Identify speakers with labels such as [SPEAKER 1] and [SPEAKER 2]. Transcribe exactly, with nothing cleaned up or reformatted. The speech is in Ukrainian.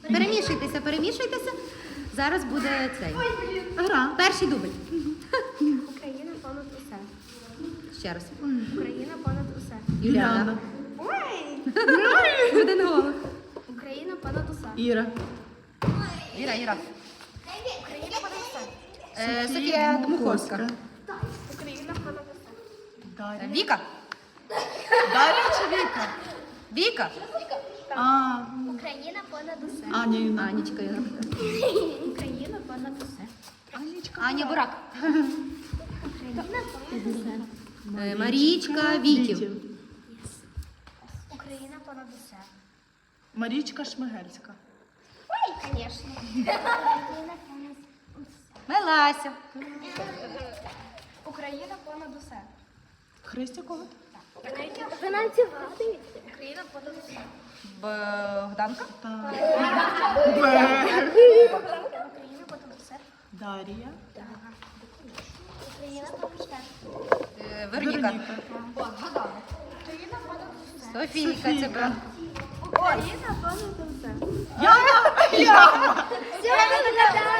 [SPEAKER 1] Перемішуйтеся, перемішуйтеся. Зараз буде цей. Гра. Перший дубль.
[SPEAKER 2] Україна понад усе.
[SPEAKER 1] Ще раз.
[SPEAKER 2] Україна понад усе.
[SPEAKER 1] Юліана.
[SPEAKER 2] Ой!
[SPEAKER 1] Один голос.
[SPEAKER 2] Україна понад усе.
[SPEAKER 3] Іра.
[SPEAKER 1] Іра, Іра.
[SPEAKER 2] Україна понад усе.
[SPEAKER 1] Е, Софія Дмуховська.
[SPEAKER 2] Україна понад усе.
[SPEAKER 3] Дар'я.
[SPEAKER 1] Віка.
[SPEAKER 3] Дар'я чи Віка?
[SPEAKER 1] Віка.
[SPEAKER 3] А,
[SPEAKER 2] Україна понад усе.
[SPEAKER 3] Аня Юна.
[SPEAKER 1] Анічка. Іра.
[SPEAKER 2] Україна понад усе.
[SPEAKER 3] Анічка.
[SPEAKER 1] Аня Бурак.
[SPEAKER 2] Україна понад усе.
[SPEAKER 1] Е, Марічка Вітів.
[SPEAKER 2] Україна понад усе.
[SPEAKER 3] Марічка Шмигельська.
[SPEAKER 2] Ой, звісно. Україна понад усе.
[SPEAKER 1] Мелася.
[SPEAKER 2] Україна понад усе.
[SPEAKER 3] Христя Когут.
[SPEAKER 2] Ви нам ці вгадуєте? Україна понад усе.
[SPEAKER 1] Богданка.
[SPEAKER 3] Так.
[SPEAKER 2] Україна понад усе.
[SPEAKER 3] Дар'я.
[SPEAKER 2] Україна понад усе.
[SPEAKER 1] Е, Вероніка.
[SPEAKER 2] Україна понад усе.
[SPEAKER 1] Софійка. Це брат.
[SPEAKER 2] Україна понад усе.
[SPEAKER 3] Яна! Яна!
[SPEAKER 2] Все,